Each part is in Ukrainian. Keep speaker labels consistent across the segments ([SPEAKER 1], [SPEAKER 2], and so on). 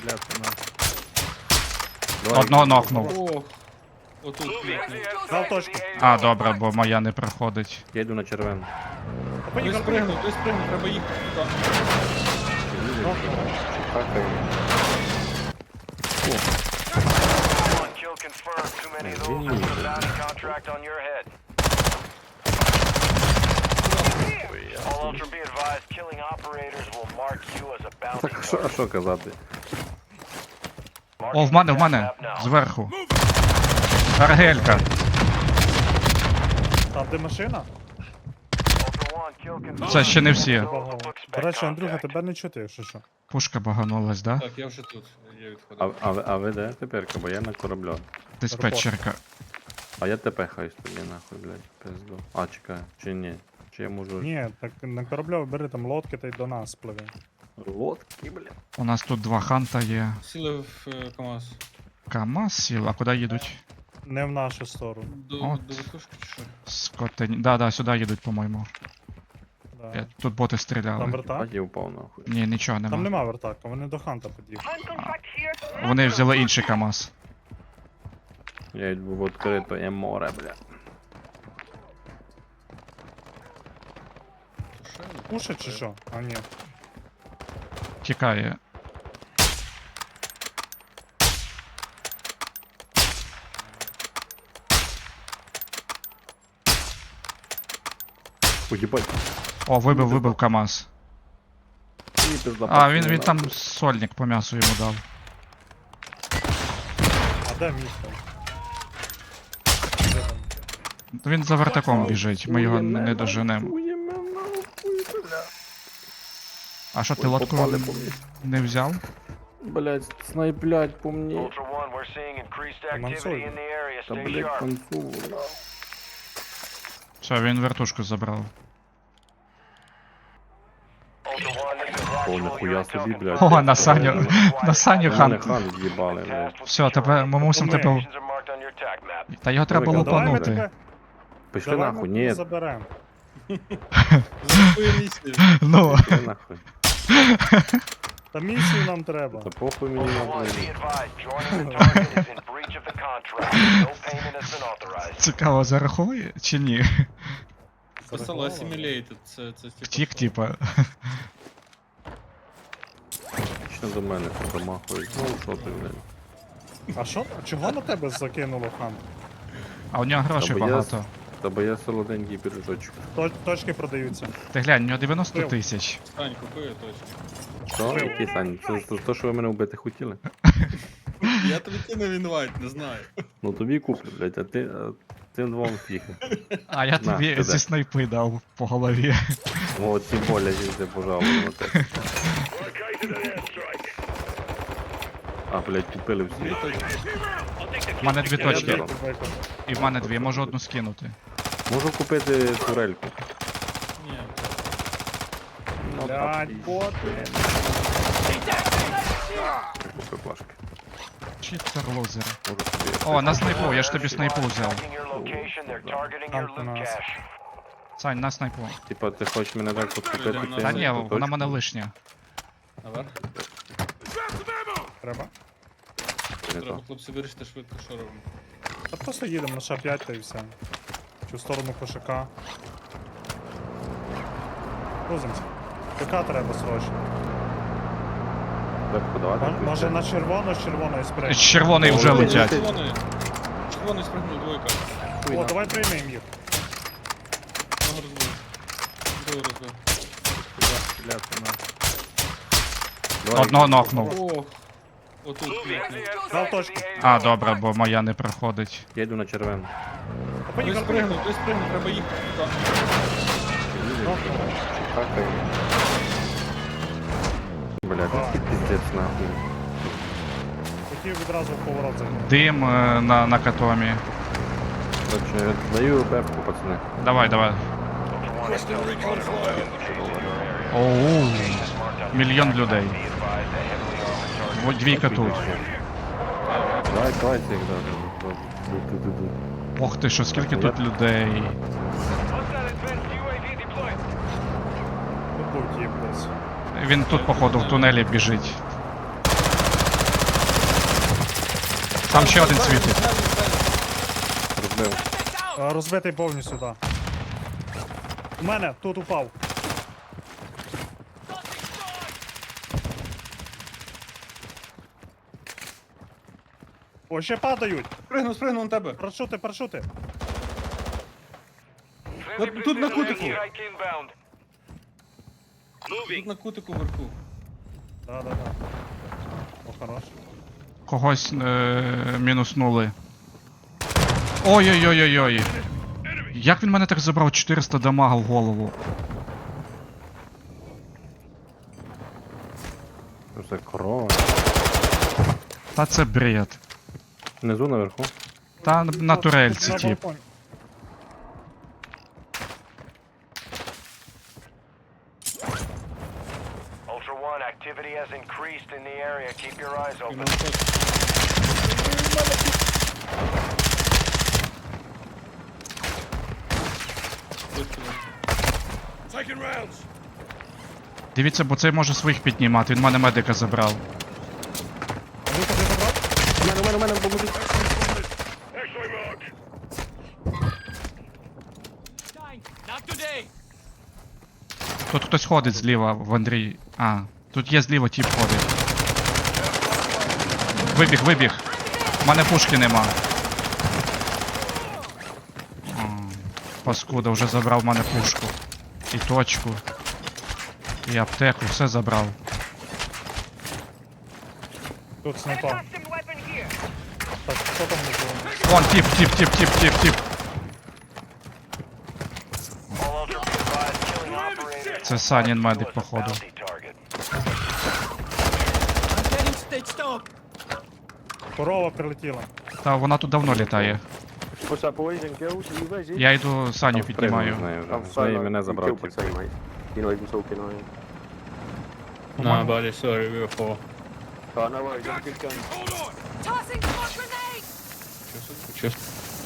[SPEAKER 1] Бляться на.
[SPEAKER 2] Одного нокнув.
[SPEAKER 3] Ох. Отут клікнув.
[SPEAKER 1] Дав точку.
[SPEAKER 2] А, добре, бо моя не проходить.
[SPEAKER 4] Я йду на червену.
[SPEAKER 3] Той спригнув, треба їхати туди.
[SPEAKER 4] Какаю.
[SPEAKER 5] One kill confirmed. Too many of those with a bounty contract on your head. All Ultra be advised, killing operators will mark you as a bounty
[SPEAKER 4] Так, а що казати?
[SPEAKER 2] О, в мене, зверху. Аргелька.
[SPEAKER 1] Там де машина?
[SPEAKER 2] Це ще не всі.
[SPEAKER 1] До речі, Андрюха, тебе не чути, якщо що.
[SPEAKER 2] Пушка баганулась, да?
[SPEAKER 3] Так, я вже тут. Я відходив.
[SPEAKER 4] А ви де тепер? Бо я на кораблю.
[SPEAKER 2] Диспетчерка.
[SPEAKER 4] А я тепехаюсь тоді нахуй, блядь, пизду. А, чекай, чи ні? Чи я можу...
[SPEAKER 1] Ні, так на кораблю бери там лодки та й до нас пливе.
[SPEAKER 4] Лодки, блядь.
[SPEAKER 2] У нас тут два ханта є.
[SPEAKER 3] Сіли в КамАЗ.
[SPEAKER 2] КамАЗ сіл, а куди їдуть?
[SPEAKER 1] Не в нашу сторону.
[SPEAKER 3] До
[SPEAKER 2] От.
[SPEAKER 3] вертушки чи що?
[SPEAKER 2] Скотень. Да, сюди їдуть, по-моєму.
[SPEAKER 1] Да.
[SPEAKER 2] Тут боти
[SPEAKER 1] Там
[SPEAKER 2] стріляли.
[SPEAKER 1] вертак?
[SPEAKER 4] Бать, я упав нахуй.
[SPEAKER 2] Ні, нічого
[SPEAKER 1] Там
[SPEAKER 2] нема.
[SPEAKER 1] нема вертака, вони до ханта під'їхали.
[SPEAKER 2] Вони взяли інший КамАЗ.
[SPEAKER 4] Я йду в відкрите море, бля.
[SPEAKER 1] Пушить чи що? А ні.
[SPEAKER 2] Тікає.
[SPEAKER 4] Уїбать.
[SPEAKER 2] О, вибив КамАЗ.
[SPEAKER 4] Ні, пизда,
[SPEAKER 2] А,
[SPEAKER 4] пацани,
[SPEAKER 2] він там
[SPEAKER 4] нахуй.
[SPEAKER 2] сольник по м'ясу йому дав.
[SPEAKER 1] А де місто? Де там?
[SPEAKER 2] Він за вертаком біжить, ми його не доженемо.
[SPEAKER 4] Хуєме нахуй, бля.
[SPEAKER 2] А що, ти
[SPEAKER 4] Ой,
[SPEAKER 2] лодку
[SPEAKER 4] попали по мені.
[SPEAKER 2] не взяв?
[SPEAKER 4] Блять, снайплять по мені.
[SPEAKER 5] Ultra One, we're seeing increased activity in the area.
[SPEAKER 4] Та,
[SPEAKER 5] Stay
[SPEAKER 4] блять,
[SPEAKER 5] sharp.
[SPEAKER 4] концу.
[SPEAKER 2] Все, він вертушку забрав.
[SPEAKER 5] Ultra One, this is
[SPEAKER 4] О,
[SPEAKER 5] actual
[SPEAKER 4] ніхуя
[SPEAKER 5] Intel
[SPEAKER 4] собі, блядь.
[SPEAKER 2] О, на Саню, на Саню
[SPEAKER 4] Мене
[SPEAKER 2] хан.
[SPEAKER 4] хан з'їбали, блядь.
[SPEAKER 2] Все, тепер ми мусимо тебе...
[SPEAKER 5] Locations are marked on your attack map.
[SPEAKER 2] Та його треба
[SPEAKER 4] Давай,
[SPEAKER 1] Давай ми
[SPEAKER 2] лупанути.
[SPEAKER 1] тебе,
[SPEAKER 4] Пішли
[SPEAKER 1] давай
[SPEAKER 4] нахуй,
[SPEAKER 1] ми
[SPEAKER 4] ні,
[SPEAKER 1] заберемо.
[SPEAKER 3] За твою місію.
[SPEAKER 2] Ну,
[SPEAKER 4] пішли нахуй.
[SPEAKER 1] Та місію нам треба.
[SPEAKER 4] Та похуй мені
[SPEAKER 5] Ultra One,
[SPEAKER 4] нахуй.
[SPEAKER 5] be advised, joining the target is in breach of the contract. No payment has been authorized.
[SPEAKER 2] цікаво, зараховує чи ні?
[SPEAKER 3] Писало Assimilated, це типу.
[SPEAKER 2] Втік,
[SPEAKER 3] що?
[SPEAKER 2] типа.
[SPEAKER 4] Що до мене тут домахують? Ну, що ти, блядь?
[SPEAKER 1] А що? Чого на тебе закинуло хан?
[SPEAKER 2] А у нього грошей
[SPEAKER 4] Та бо я-
[SPEAKER 2] багато.
[SPEAKER 4] Та бо я солоденький пірожочок.
[SPEAKER 1] Точки продаються.
[SPEAKER 2] Ти глянь, у нього 90 тисяч.
[SPEAKER 3] Стань, купує точно.
[SPEAKER 4] Що? Який Сань? Це то, що ви мене вбити хотіли?
[SPEAKER 3] Я тобі кинув інвайт, не знаю.
[SPEAKER 4] Ну тобі куплю, блядь, а ти тим двом фіхи.
[SPEAKER 2] А я
[SPEAKER 4] На,
[SPEAKER 2] тобі
[SPEAKER 4] туди.
[SPEAKER 2] зі снайпи дав по голові.
[SPEAKER 4] О, тим более їзди, пожалуй, на те. А, блядь, купили всі.
[SPEAKER 2] У мене дві
[SPEAKER 1] Я
[SPEAKER 2] точки.
[SPEAKER 1] двійку виконав.
[SPEAKER 2] І в мене дві, можу одну скинути.
[SPEAKER 4] Можу купити турельку.
[SPEAKER 3] Ні.
[SPEAKER 4] Ну,
[SPEAKER 1] Блядь, боти.
[SPEAKER 4] Купи плашки.
[SPEAKER 2] Читер лузер.
[SPEAKER 4] Можу собі.
[SPEAKER 2] О, на снайпу, я ж тобі снайпу взяв.
[SPEAKER 5] Tracking your location, they're targeting
[SPEAKER 1] Там
[SPEAKER 5] your
[SPEAKER 1] у
[SPEAKER 5] loot
[SPEAKER 1] нас.
[SPEAKER 5] cache.
[SPEAKER 2] Сань, на снайпу.
[SPEAKER 4] Типа, ти хочеш мене так підкупити?
[SPEAKER 3] Та
[SPEAKER 2] Та
[SPEAKER 4] цим
[SPEAKER 2] ні,
[SPEAKER 4] точком?
[SPEAKER 2] вона в мене лишня.
[SPEAKER 3] Наверх.
[SPEAKER 1] Треба.
[SPEAKER 4] Не
[SPEAKER 3] Треба,
[SPEAKER 4] так.
[SPEAKER 3] хлопці, вирішити швидко, що робимо.
[SPEAKER 1] Та просто їдемо на Ш5 та і все. Чи в сторону кошака. Грузимося. ПК треба срочно.
[SPEAKER 4] Так, подавати?
[SPEAKER 1] Може на червоно з червоної сприйняти.
[SPEAKER 2] Червоний вже летять.
[SPEAKER 3] Червоний. Червоний спригнув двойка.
[SPEAKER 1] О, давай приймемо їх.
[SPEAKER 3] Одного розбив. Другого розбив.
[SPEAKER 1] Бляться на.
[SPEAKER 4] Давай.
[SPEAKER 2] Одного нокнув.
[SPEAKER 3] Ох. Отут клікнув.
[SPEAKER 1] Дав точку.
[SPEAKER 2] А, добре, бо моя не проходить.
[SPEAKER 4] Я йду на червену.
[SPEAKER 3] Той спригнув, треба їхати туди.
[SPEAKER 4] Какаю. Блядь, який пиздець нахуй.
[SPEAKER 1] Хотів відразу в поворот зайти.
[SPEAKER 2] Дим на катомі.
[SPEAKER 4] Короче, даю бепку, пацани.
[SPEAKER 2] Давай, давай.
[SPEAKER 5] Ultra One, Intel responded to a location in your area.
[SPEAKER 2] Оу.
[SPEAKER 5] Marked on
[SPEAKER 2] Мільйон
[SPEAKER 5] your
[SPEAKER 2] людей.
[SPEAKER 5] Be advised, a heavily armored target.
[SPEAKER 2] Двійка тут.
[SPEAKER 4] Давай цих даже.
[SPEAKER 2] Ох ти що, скільки тут людей.
[SPEAKER 1] Тут був тіп десь.
[SPEAKER 2] Він тут, походу, в тунелі біжить. Там ще один світить.
[SPEAKER 4] Розбив.
[SPEAKER 1] Розбитий повністю, так. У мене тут упав. О, ще падають.
[SPEAKER 3] Спригнув на тебе.
[SPEAKER 1] Парашути, парашути.
[SPEAKER 3] Тут на кутику.
[SPEAKER 5] Strike inbound.
[SPEAKER 3] Тут на кутику вверху.
[SPEAKER 1] Да. О, хорош.
[SPEAKER 2] Когось мінуснули. Ой-ой-ой-ой-ой. Як він мене так забрав 400 дамага в голову?
[SPEAKER 4] Що це корова?
[SPEAKER 2] Та це бред.
[SPEAKER 4] Внизу наверху.
[SPEAKER 2] Та на турельці,
[SPEAKER 1] На
[SPEAKER 2] тип.
[SPEAKER 1] балконі.
[SPEAKER 5] Ultra One, activity has increased in the area. Keep your eyes
[SPEAKER 3] І
[SPEAKER 5] open.
[SPEAKER 3] на
[SPEAKER 2] Дивіться, бо цей може своїх піднімати, він в мене медика забрав.
[SPEAKER 1] А Люка, ти забрав?
[SPEAKER 4] У мене, поможіть.
[SPEAKER 2] Тут хтось ходить зліва в Андрій. А, тут є зліва тип ходить. Вибіг. У мене пушки нема. Паскуда, вже забрав в мене пушку. І точку. І аптеку, все забрав.
[SPEAKER 1] Тут снайпа. Так, що там не було?
[SPEAKER 2] Вон, тип.
[SPEAKER 5] All Ultra be advised, killing operators
[SPEAKER 2] Це
[SPEAKER 5] will
[SPEAKER 2] Санін
[SPEAKER 5] mark you
[SPEAKER 2] медик,
[SPEAKER 5] as a
[SPEAKER 2] походу.
[SPEAKER 5] bounty target.
[SPEAKER 1] Корова прилетіла.
[SPEAKER 2] Та вона тут давно літає.
[SPEAKER 6] What's up, boys and girls? Are you busy?
[SPEAKER 2] Я йду Саню піднімаю.
[SPEAKER 4] З нею вже.
[SPEAKER 6] I'm
[SPEAKER 4] З неї
[SPEAKER 6] solo.
[SPEAKER 4] мене
[SPEAKER 6] You
[SPEAKER 4] забрав.
[SPEAKER 6] killed my
[SPEAKER 4] типу.
[SPEAKER 6] teammate. You're not even talking, are you?
[SPEAKER 3] Nah, buddy, sorry, we were four.
[SPEAKER 6] Oh, no worries. Have a good game.
[SPEAKER 7] Tossing smoke grenade!
[SPEAKER 3] Чесно.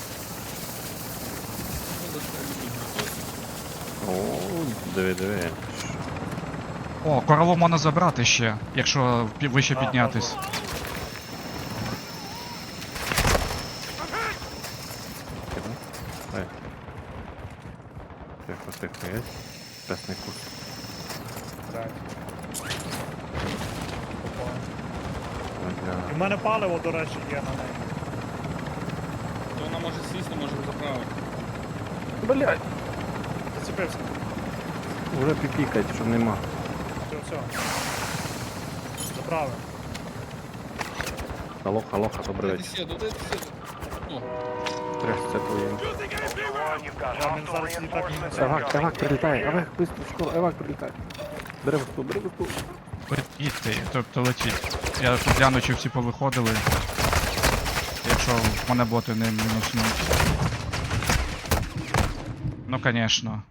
[SPEAKER 4] О, диви.
[SPEAKER 2] О, корову можна забрати ще, якщо вище піднятись.
[SPEAKER 4] Ей. Тихо, є. Песний кут.
[SPEAKER 1] Блядь. Попав.
[SPEAKER 4] Бля.
[SPEAKER 1] І в мене паливо, до речі, є на неї.
[SPEAKER 3] То вона може сісти, може заправити.
[SPEAKER 4] Блядь.
[SPEAKER 1] Зацепився.
[SPEAKER 4] Уже піпікать, що нема.
[SPEAKER 1] Все. Заправив.
[SPEAKER 4] Алоха, добрий
[SPEAKER 3] Дайте
[SPEAKER 4] вечір.
[SPEAKER 3] сіду. О,
[SPEAKER 4] Трясся твоїм.
[SPEAKER 5] Ultra One, you've got
[SPEAKER 1] Yeah, I mean,
[SPEAKER 5] hostile
[SPEAKER 1] that's- you talking
[SPEAKER 5] reinforcements
[SPEAKER 1] about-
[SPEAKER 5] incoming.
[SPEAKER 4] прилітає, Евак, быстро, скоро, Евак прилітає. Бери виступ.
[SPEAKER 2] Їдьте, тобто летіть. Я тут гляну, чи всі повиходили. Якщо в мене боти не мінуснуть. Ну, конечно.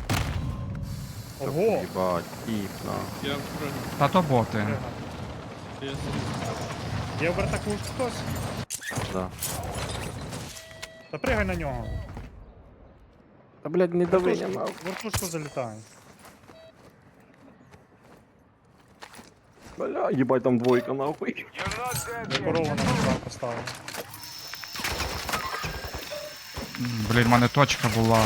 [SPEAKER 1] Ого!
[SPEAKER 4] Їбать, тіп, на.
[SPEAKER 3] я впрыгну.
[SPEAKER 2] Та то боти.
[SPEAKER 1] Пригнав.
[SPEAKER 3] Я
[SPEAKER 1] Є в вертаку хтось?
[SPEAKER 4] Да.
[SPEAKER 1] Та пригай на нього.
[SPEAKER 4] Та, блядь, не дави, я
[SPEAKER 1] Вертушку,
[SPEAKER 4] мав.
[SPEAKER 1] вертушку залітає.
[SPEAKER 4] Бля, їбать, там двойка, нахуй.
[SPEAKER 5] You're not dead
[SPEAKER 1] Я
[SPEAKER 5] yet.
[SPEAKER 1] корову на місця поставив.
[SPEAKER 2] Блін, в мене точка була.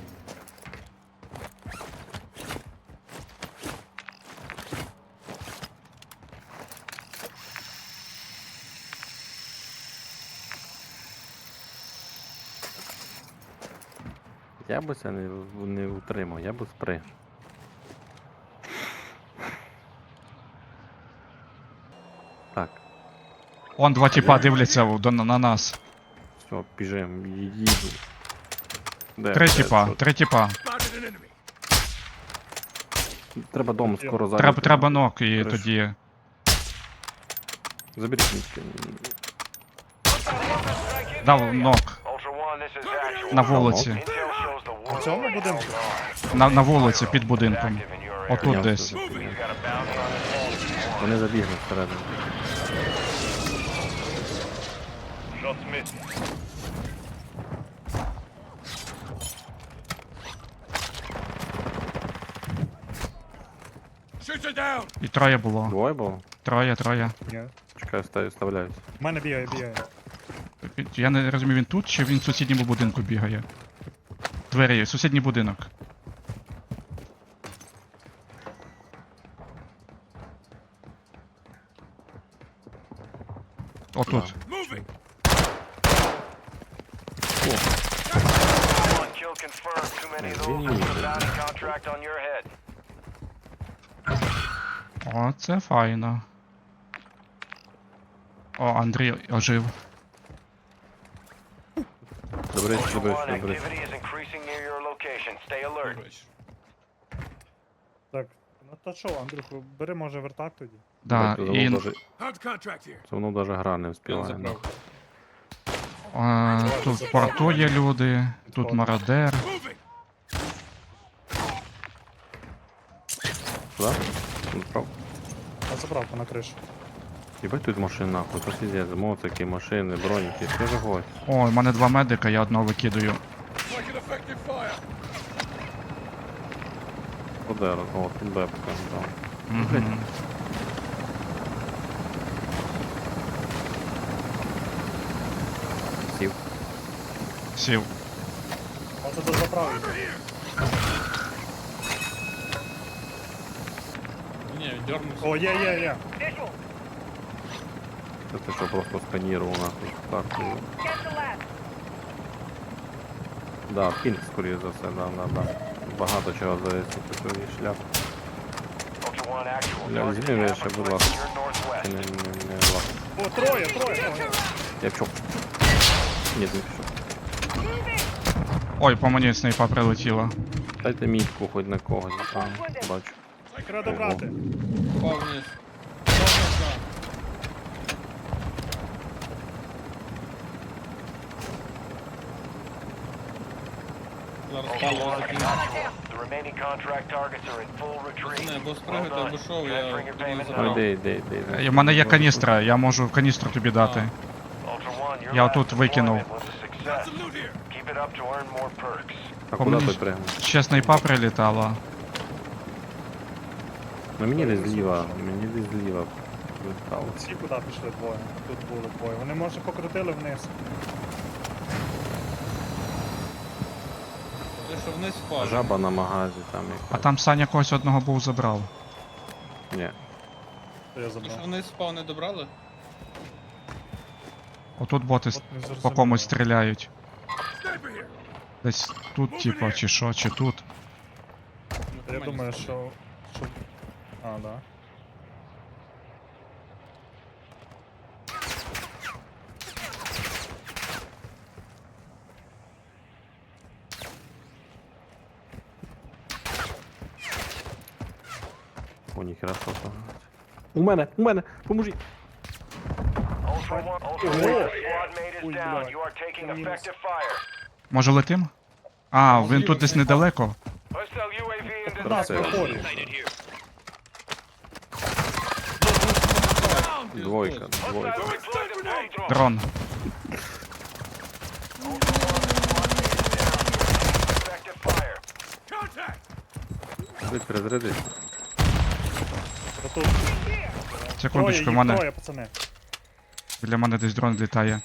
[SPEAKER 4] Я би це не утримав, я би сприг. Так,
[SPEAKER 2] Он два тіпа дивляться на нас.
[SPEAKER 4] все, біжим, їду. Де,
[SPEAKER 2] Три
[SPEAKER 4] де,
[SPEAKER 2] тіпа,
[SPEAKER 4] що?
[SPEAKER 2] три тіпа.
[SPEAKER 4] Треба дом скоро зайняти.
[SPEAKER 2] Треба ног і
[SPEAKER 4] Хорошо.
[SPEAKER 2] тоді.
[SPEAKER 4] Заберіть мішки.
[SPEAKER 2] Дав ног
[SPEAKER 5] Ultra One, this is actual.
[SPEAKER 2] на вулиці.
[SPEAKER 5] Intel shows the war
[SPEAKER 1] На цьому
[SPEAKER 5] zone is
[SPEAKER 1] будинку?
[SPEAKER 5] going on.
[SPEAKER 2] На вулиці під будинком.
[SPEAKER 5] Active in your area.
[SPEAKER 2] Отут
[SPEAKER 4] Піднявся,
[SPEAKER 2] десь.
[SPEAKER 5] You've got a bounty on the wall.
[SPEAKER 4] Вони забігли всередину.
[SPEAKER 5] Shots missed.
[SPEAKER 2] І троє було.
[SPEAKER 4] Двоє було?
[SPEAKER 2] Троє.
[SPEAKER 1] Ні.
[SPEAKER 4] Чекай, вставляюсь.
[SPEAKER 1] В мене бігає.
[SPEAKER 2] Я не розумію, він тут чи він в сусідньому будинку бігає? Двері, сусідній будинок. Отут.
[SPEAKER 5] One kill confirmed. Too many of those with a bounty contract on your head.
[SPEAKER 2] О, це файно. О, Андрій ожив.
[SPEAKER 4] Добре,
[SPEAKER 5] Ultra
[SPEAKER 4] добре,
[SPEAKER 5] One,
[SPEAKER 4] добре.
[SPEAKER 5] activity is increasing near your location. Stay alert.
[SPEAKER 3] Коротше.
[SPEAKER 1] Так, ну то що, Андрюху, бери може вертак тоді.
[SPEAKER 2] Да, і
[SPEAKER 4] Це воно навіть гра не
[SPEAKER 3] Я
[SPEAKER 4] вспіває.
[SPEAKER 3] забрав.
[SPEAKER 2] тут в порту є люди, тут мародер.
[SPEAKER 4] Да? Ну, прав.
[SPEAKER 1] А заправку на кришу.
[SPEAKER 4] Єбать тут машин нахуй, то пиздец, моцики, машини, броніки, що ж гость.
[SPEAKER 2] О, в мене два медика, я одного викидаю.
[SPEAKER 4] Подер, о, тут бепка, да.
[SPEAKER 2] Мгм.
[SPEAKER 4] Сів.
[SPEAKER 2] Сів.
[SPEAKER 1] А це до заправки.
[SPEAKER 3] Ні, він дернувся.
[SPEAKER 1] О, є.
[SPEAKER 4] Це ти що просто сканірував нахуй карту. Да, пінг скоріше за все, да. Багато чого здається, такий шляп.
[SPEAKER 5] Ultra One, actual.
[SPEAKER 4] Бля,
[SPEAKER 5] Target
[SPEAKER 4] візьми мене ще,
[SPEAKER 5] Kappa
[SPEAKER 4] будь
[SPEAKER 5] 3
[SPEAKER 4] ласка.
[SPEAKER 5] to your northwest.
[SPEAKER 4] Не лак.
[SPEAKER 1] О, троє.
[SPEAKER 4] Я пішов. Ні, не пішов.
[SPEAKER 2] Ой, по мені снайпа прилетіла.
[SPEAKER 4] Дайте мітку хоч на когось, а, бачу.
[SPEAKER 1] Треба добрати.
[SPEAKER 3] Впав вниз. Впав вниз, да. Зараз
[SPEAKER 5] Ultra
[SPEAKER 3] паливо
[SPEAKER 5] One,
[SPEAKER 3] закину.
[SPEAKER 5] actual. The remaining contract targets are in full retreat.
[SPEAKER 3] Пацани, або
[SPEAKER 5] Well
[SPEAKER 3] спригати,
[SPEAKER 5] done.
[SPEAKER 3] або шоу, я
[SPEAKER 5] Transferring your
[SPEAKER 3] піду
[SPEAKER 5] payment
[SPEAKER 3] забрав.
[SPEAKER 4] Ну йди.
[SPEAKER 2] У мене є каністра, я можу каністру тобі дати.
[SPEAKER 5] Ultra One, your
[SPEAKER 2] Я
[SPEAKER 5] last
[SPEAKER 2] тут викинув.
[SPEAKER 5] deployment was a success. Keep it up to earn more perks.
[SPEAKER 4] А
[SPEAKER 2] По
[SPEAKER 4] куди
[SPEAKER 2] мені
[SPEAKER 4] той пригнув?
[SPEAKER 2] ще снайпа прилітала.
[SPEAKER 4] Ну мені десь зліва вилітало.
[SPEAKER 1] Всі куди пішли двоє. Тут були двоє. Вони може покрутили вниз.
[SPEAKER 3] Ти що вниз впав?
[SPEAKER 4] Жаба на магазі там
[SPEAKER 2] А
[SPEAKER 4] якась.
[SPEAKER 2] там Саня когось одного був забрав.
[SPEAKER 4] Ні.
[SPEAKER 1] То я
[SPEAKER 3] Ти що
[SPEAKER 1] забрав.
[SPEAKER 3] вниз впав, не добрали?
[SPEAKER 2] Отут боти
[SPEAKER 1] От не
[SPEAKER 2] по
[SPEAKER 1] зрозуміло.
[SPEAKER 2] комусь стріляють. Десь тут, типа, чи що, чи тут.
[SPEAKER 1] Я думаю, що... А, да.
[SPEAKER 4] О, ніхера що там. У мене, поможіть.
[SPEAKER 5] Ultra One, Ultra One, your squad mate is
[SPEAKER 1] Ой,
[SPEAKER 5] down.
[SPEAKER 1] бля.
[SPEAKER 5] You are taking
[SPEAKER 1] Мінус.
[SPEAKER 5] effective fire.
[SPEAKER 2] Може летим? А, він тут десь недалеко.
[SPEAKER 5] Hostile UAV in
[SPEAKER 1] Нас
[SPEAKER 4] Це-
[SPEAKER 1] проходить.
[SPEAKER 4] Двойка.
[SPEAKER 5] Hostile deployed to drone.
[SPEAKER 2] Дрон.
[SPEAKER 5] Effective fire.
[SPEAKER 4] Перезаряди.
[SPEAKER 1] Отут.
[SPEAKER 2] Секундочку, в
[SPEAKER 1] Троє,
[SPEAKER 2] мене.
[SPEAKER 1] їх троє, пацани.
[SPEAKER 2] Біля мене десь дрон літає.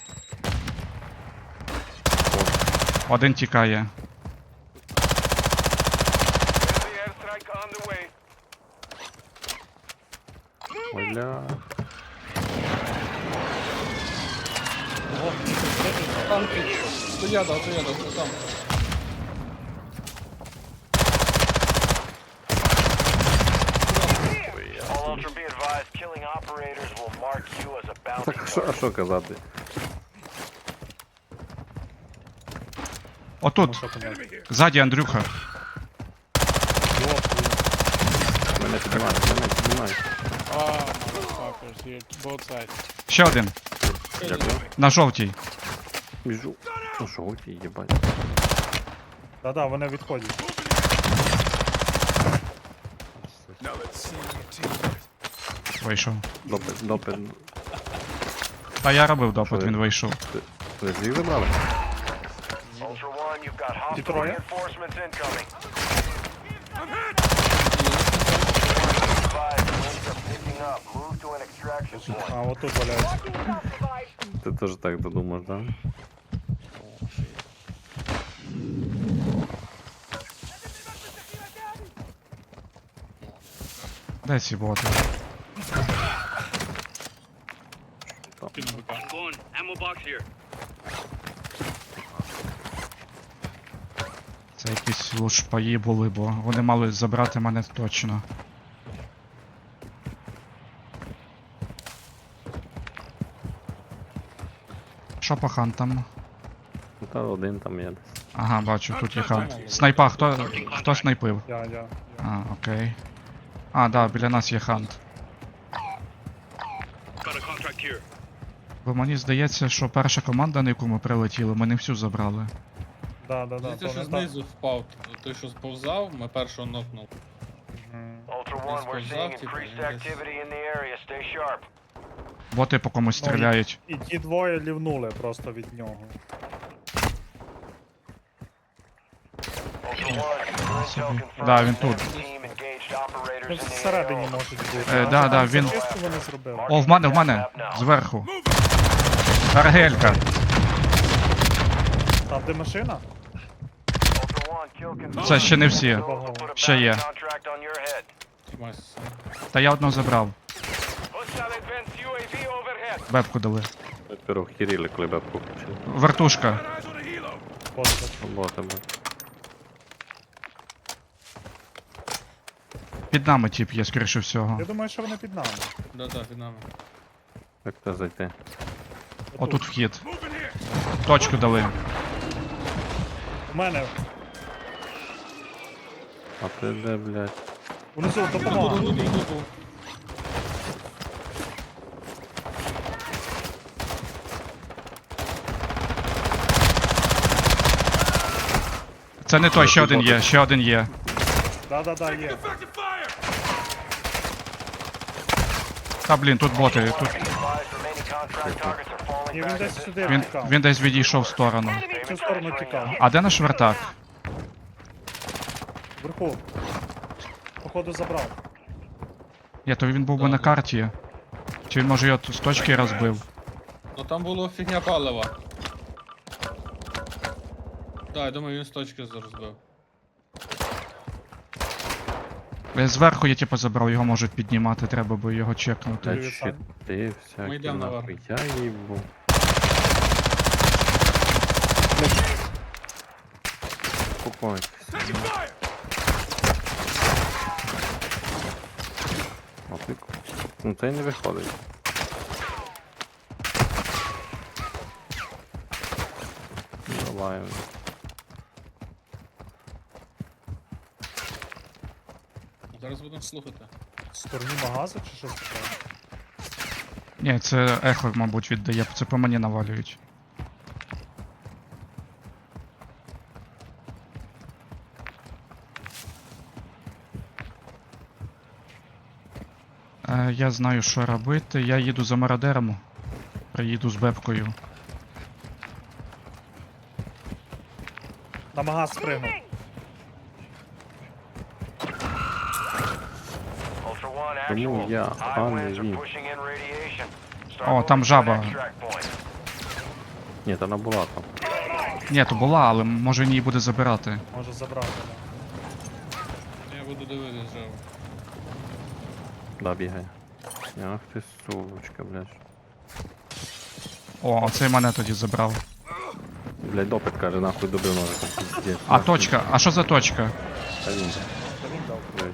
[SPEAKER 2] Один тікає.
[SPEAKER 5] Enemy airstrike on the way.
[SPEAKER 4] Ой, бля.
[SPEAKER 3] Там ти. Стояда, що там.
[SPEAKER 5] All Ultra be advised, killing operators will mark you as a bounty
[SPEAKER 4] Так, а що казати?
[SPEAKER 2] Отут.
[SPEAKER 1] Що там?
[SPEAKER 2] Ззаді Андрюха.
[SPEAKER 4] Мене піднімають.
[SPEAKER 2] Ще один.
[SPEAKER 4] Дякую.
[SPEAKER 2] На жовтій.
[SPEAKER 4] Біжу. Ну що, ті, їбать.
[SPEAKER 1] Да-да, вони відходять.
[SPEAKER 2] Вийшов.
[SPEAKER 4] Допит.
[SPEAKER 2] Та я робив допит,
[SPEAKER 4] Що
[SPEAKER 2] він
[SPEAKER 4] я?
[SPEAKER 2] вийшов.
[SPEAKER 4] Ви звів забрали?
[SPEAKER 5] Ultra One, you've got hostile
[SPEAKER 1] Detroit?
[SPEAKER 5] reinforcements incoming. Advised, winds are picking up. Move to an extraction point.
[SPEAKER 1] А, отут валяється.
[SPEAKER 4] Ти теж так додумаєш, да?
[SPEAKER 2] Де ці боти?
[SPEAKER 3] Кину БК.
[SPEAKER 2] Це якісь лушпаї були, бо вони мали забрати мене точно. Що по хантам?
[SPEAKER 4] Ну, та один там є десь.
[SPEAKER 2] Ага, бачу, тут є хант. Снайпа, хто снайпив?
[SPEAKER 1] Я.
[SPEAKER 2] А, окей. А, да, біля нас є хант. Бо мені здається, що перша команда, на яку ми прилетіли, ми не всю забрали.
[SPEAKER 1] Да,
[SPEAKER 3] Здається,
[SPEAKER 1] то
[SPEAKER 3] що
[SPEAKER 1] не так.
[SPEAKER 3] знизу впав. Той, що сповзав, ми першого нокнув.
[SPEAKER 1] Мгм.
[SPEAKER 5] Ultra One, we're seeing increased activity in the area. Stay sharp.
[SPEAKER 2] Боти по комусь стріляють.
[SPEAKER 1] І ті двоє лівнули просто від нього.
[SPEAKER 5] Ultra One, your intel confirms
[SPEAKER 2] Да, він
[SPEAKER 5] that
[SPEAKER 2] тут.
[SPEAKER 5] team engaged operators
[SPEAKER 1] Ну,
[SPEAKER 5] in the
[SPEAKER 1] всередині
[SPEAKER 5] AO.
[SPEAKER 1] можуть бути.
[SPEAKER 2] Да,
[SPEAKER 1] А
[SPEAKER 2] да,
[SPEAKER 1] там
[SPEAKER 2] він-
[SPEAKER 1] зачистку вони зробили.
[SPEAKER 2] О, в мене, зверху. Аргелька.
[SPEAKER 1] Там де машина?
[SPEAKER 5] Ultra One, kill confirmed.
[SPEAKER 2] Це ще не всі.
[SPEAKER 5] Put a
[SPEAKER 2] Ще є.
[SPEAKER 5] bounty contract on your head.
[SPEAKER 3] Тімась.
[SPEAKER 2] Та я одного забрав.
[SPEAKER 5] Hostile advanced UAV overhead.
[SPEAKER 2] Бебку дали.
[SPEAKER 4] Ми перво хіріли, коли бабку включили.
[SPEAKER 2] Вертушка.
[SPEAKER 1] Просто.
[SPEAKER 4] Робота, бо.
[SPEAKER 2] Під нами тип є, скоріше всього.
[SPEAKER 1] Я думаю, що вони під нами.
[SPEAKER 3] Да-да, під нами.
[SPEAKER 4] Як це зайти?
[SPEAKER 2] Отут вхід. Точку дали.
[SPEAKER 1] У мене.
[SPEAKER 4] А ти де, блядь?
[SPEAKER 1] Внизу допомога.
[SPEAKER 2] Це не той, ще один є, ще один є.
[SPEAKER 1] Да, є.
[SPEAKER 2] Та блін, тут боти. Тут...
[SPEAKER 5] Advised remaining contract targets are falling
[SPEAKER 1] Ні, він
[SPEAKER 5] back
[SPEAKER 1] десь
[SPEAKER 5] into
[SPEAKER 1] сюди
[SPEAKER 2] Він,
[SPEAKER 1] втікав.
[SPEAKER 2] він десь відійшов в сторону.
[SPEAKER 1] В цю сторону тікав.
[SPEAKER 2] А де наш вертак?
[SPEAKER 1] Вверху. Походу забрав.
[SPEAKER 2] Ні, то він був би на карті. Чи він може його з точки розбив?
[SPEAKER 3] Ну там було фігня палива. Так, я думаю, він з точки розбив.
[SPEAKER 2] Зверху я типу забрав, його можуть піднімати, треба би його чекнути.
[SPEAKER 4] Та
[SPEAKER 1] Привіт, Сань.
[SPEAKER 4] щити
[SPEAKER 3] Ми
[SPEAKER 4] всякі,
[SPEAKER 3] йдемо
[SPEAKER 4] нахуй.
[SPEAKER 3] наверх.
[SPEAKER 4] Я їбу. Успокойтесь. А ти... Ну це й не виходить. Давай.
[SPEAKER 3] Зараз будемо слухати.
[SPEAKER 1] В стороні магазу чи що таке?
[SPEAKER 2] Ні, це ехо, мабуть, віддає, це по мені навалюють. Я знаю, що робити. Я їду за мародером. Приїду з бебкою.
[SPEAKER 1] На магаз спригнув.
[SPEAKER 5] Ultra One,
[SPEAKER 4] Чому
[SPEAKER 5] actual.
[SPEAKER 4] я,
[SPEAKER 5] High
[SPEAKER 4] а не
[SPEAKER 5] winds are
[SPEAKER 4] він?
[SPEAKER 5] pushing in radiation. Start
[SPEAKER 2] О,
[SPEAKER 5] moving
[SPEAKER 2] там
[SPEAKER 5] to an
[SPEAKER 2] жаба.
[SPEAKER 5] extract point.
[SPEAKER 4] Ні, та вона була там.
[SPEAKER 2] Ні, то була, але може він її буде забирати.
[SPEAKER 1] Може забрати. Да.
[SPEAKER 3] Я буду дивитися жаво.
[SPEAKER 4] Да, бігає. Ах ти сучка, блядь.
[SPEAKER 2] О, оцей мене тоді забрав.
[SPEAKER 4] Блядь, допит каже, нахуй добив ножиком. Пиздец.
[SPEAKER 2] А точка? А що за точка?
[SPEAKER 4] Та він.
[SPEAKER 1] Та він дав.
[SPEAKER 4] Блядь.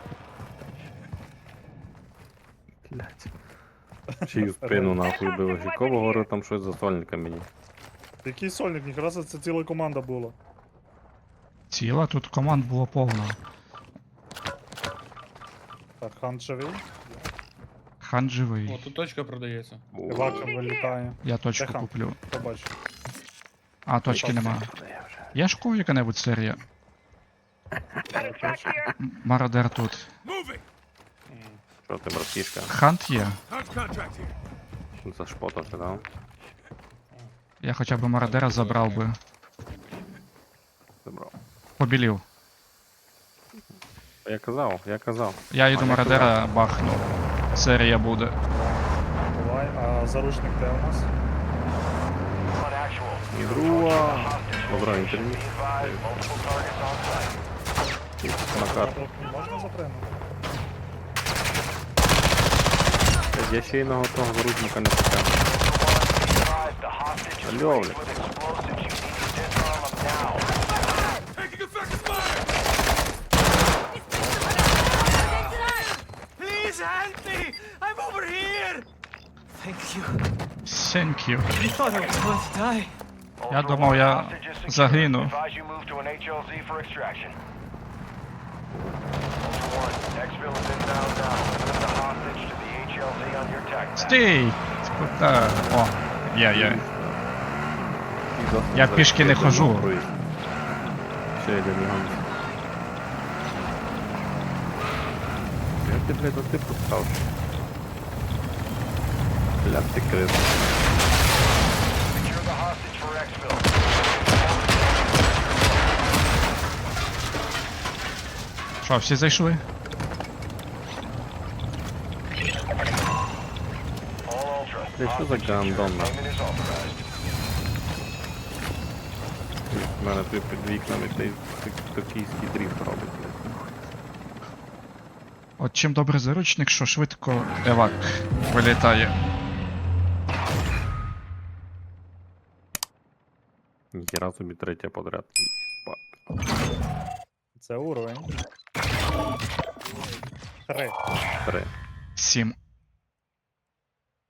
[SPEAKER 4] Блядь. Чию спину нахуй бив. Якого гору там щось за сольника мені.
[SPEAKER 1] Який сольник? Ніхера це ціла команда була.
[SPEAKER 2] Ціла, тут команд було повно.
[SPEAKER 1] Так, хан живий.
[SPEAKER 2] Хан
[SPEAKER 3] О,
[SPEAKER 2] живий.
[SPEAKER 3] тут точка продається.
[SPEAKER 1] Івака вилітає.
[SPEAKER 2] Я точку
[SPEAKER 1] Де хан?
[SPEAKER 2] куплю.
[SPEAKER 1] Побач.
[SPEAKER 2] А, точки нема. Є ж у кого яка-небудь серія? Мародер тут.
[SPEAKER 4] Що ти, братішка?
[SPEAKER 2] Хант є.
[SPEAKER 4] Зашпотався, да?
[SPEAKER 2] Я хоча б мародера забрав би.
[SPEAKER 4] Забрав.
[SPEAKER 2] Побілів.
[SPEAKER 4] Я казав.
[SPEAKER 2] Я йду
[SPEAKER 4] А, я
[SPEAKER 2] мародера бахну. серія буде.
[SPEAKER 1] Давай, а заручник де у нас?
[SPEAKER 5] On actual.
[SPEAKER 4] І друга. Добре, інтерв'ю.
[SPEAKER 5] Be advised, multiple targets on site.
[SPEAKER 4] На карту.
[SPEAKER 1] Можна запригнути?
[SPEAKER 4] Я ще й на того заручника не потягну.
[SPEAKER 5] Be advised, the hostage is
[SPEAKER 4] Алло,
[SPEAKER 5] placed
[SPEAKER 4] блядь.
[SPEAKER 5] with explosives. You need to disarm them now.
[SPEAKER 8] Please help me! I'm over here! Thank you.
[SPEAKER 2] Thank you.
[SPEAKER 8] I thought I was going to die.
[SPEAKER 2] Я
[SPEAKER 5] Ultra
[SPEAKER 2] думав,
[SPEAKER 5] One,
[SPEAKER 2] я
[SPEAKER 5] hostage is secured.
[SPEAKER 2] загину.
[SPEAKER 5] Advise you move to an HLZ for extraction. Ultra One, exfil is inbound now. Move the hostage to the HLZ on your tech map.
[SPEAKER 2] Стій! Куди? О, є. Я пішки не хожу.
[SPEAKER 4] Ще один ган. Як ти, блядь, ти поставив? Бля, ти крив.
[SPEAKER 5] Secure the hostage for exfil.
[SPEAKER 2] Що, всі зайшли?
[SPEAKER 5] All Ultra.
[SPEAKER 4] Бля, що за гандон, нахуй?
[SPEAKER 5] Payment is authorized.
[SPEAKER 4] У мене тут під вікнами той токійський дріфт робить, блядь.
[SPEAKER 2] От чим добрий заручник, що швидко евак вилітає.
[SPEAKER 4] Ніхіра собі третя подряд. Єбать.
[SPEAKER 1] Це уровень. 3.
[SPEAKER 4] 3.
[SPEAKER 2] 7.